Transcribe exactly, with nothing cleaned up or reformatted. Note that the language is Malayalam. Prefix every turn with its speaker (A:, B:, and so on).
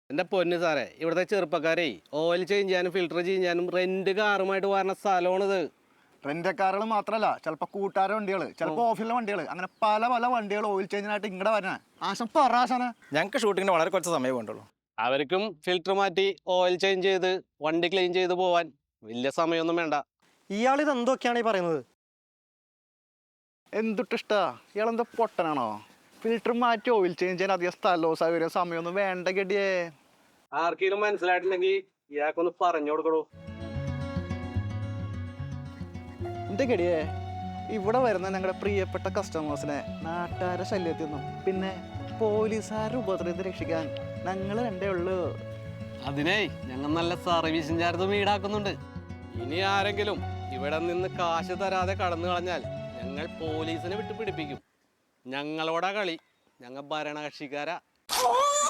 A: എൻ്റെ പൊന്ന് സാറേ, ഇവിടുത്തെ ചെറുപ്പക്കാരെ ഓയിൽ ചേഞ്ച് ചെയ്യാനും ഫിൽട്ടർ ചെയ്യാനും റെന്റ് കാറുമായിട്ട് വരുന്ന സ്ഥലമാണിത്.
B: റെന്റ് കാറുകൾ മാത്രമല്ല, ചിലപ്പോൾ കൂട്ടുകാരെ വണ്ടികൾ, ചിലപ്പോൾ ഓഫീസിലെ വണ്ടികൾ, അങ്ങനെ പല പല വണ്ടികൾ ഓയിൽ ചേഞ്ചിനായിട്ട് ഇങ്ങടെ വരണേ. ആശം പറ ആശാനെ.
C: ഞങ്ങൾക്ക് ഷൂട്ടിങ്ങിന് വളരെ കുറച്ച് സമയം വേണ്ടുള്ളൂ.
A: അവർക്കും ഫിൽട്ടർ മാറ്റി ഓയിൽ ചേഞ്ച് ചെയ്ത് വണ്ടി ക്ലീൻ ചെയ്ത് പോവാൻ വലിയ സമയമൊന്നും വേണ്ട.
D: ഇയാൾ ഇത് എന്തൊക്കെയാണ് ഈ പറയുന്നത്?
B: എന്തുട്ടിഷ്ടാ, ഇയാളെന്താ പൊട്ടനാണോ? ഫിൽറ്റർ മാറ്റി ഓയിൽ ചേഞ്ച് ചെയ്യാൻ അധികം സ്ഥലവും സൗകര്യം സമയമൊന്നും വേണ്ട ഗഡിയേ.
A: ആർക്കെങ്കിലും മനസ്സിലായിട്ടുണ്ടെങ്കിൽ ഇയാൾക്കൊന്ന് പറഞ്ഞു കൊടുക്കണോ.
B: എന്റെ ഗഡിയേ, ഇവിടെ വരുന്ന ഞങ്ങളുടെ പ്രിയപ്പെട്ട കസ്റ്റമേഴ്സിനെ നാട്ടുകാരെ ശല്യത്തിൽ നിന്നും പിന്നെ പോലീസുകാരുടെ ഉപദ്രവത്തിൽ രക്ഷിക്കാൻ ഞങ്ങൾ രണ്ടേ ഉള്ളൂ.
A: അതിനേ ഞങ്ങൾ നല്ല സർവീസും ചാർജും ഈടാക്കുന്നുണ്ട്. ഇനി ആരെങ്കിലും ഇവിടെ നിന്ന് കാശ് തരാതെ കടന്നു കളഞ്ഞാൽ ഞങ്ങൾ പോലീസിനെ വിട്ട് പിടിപ്പിക്കും. ഞങ്ങളോടാ കളി, ഞങ്ങൾ ഭരണകക്ഷിക്കാരാ.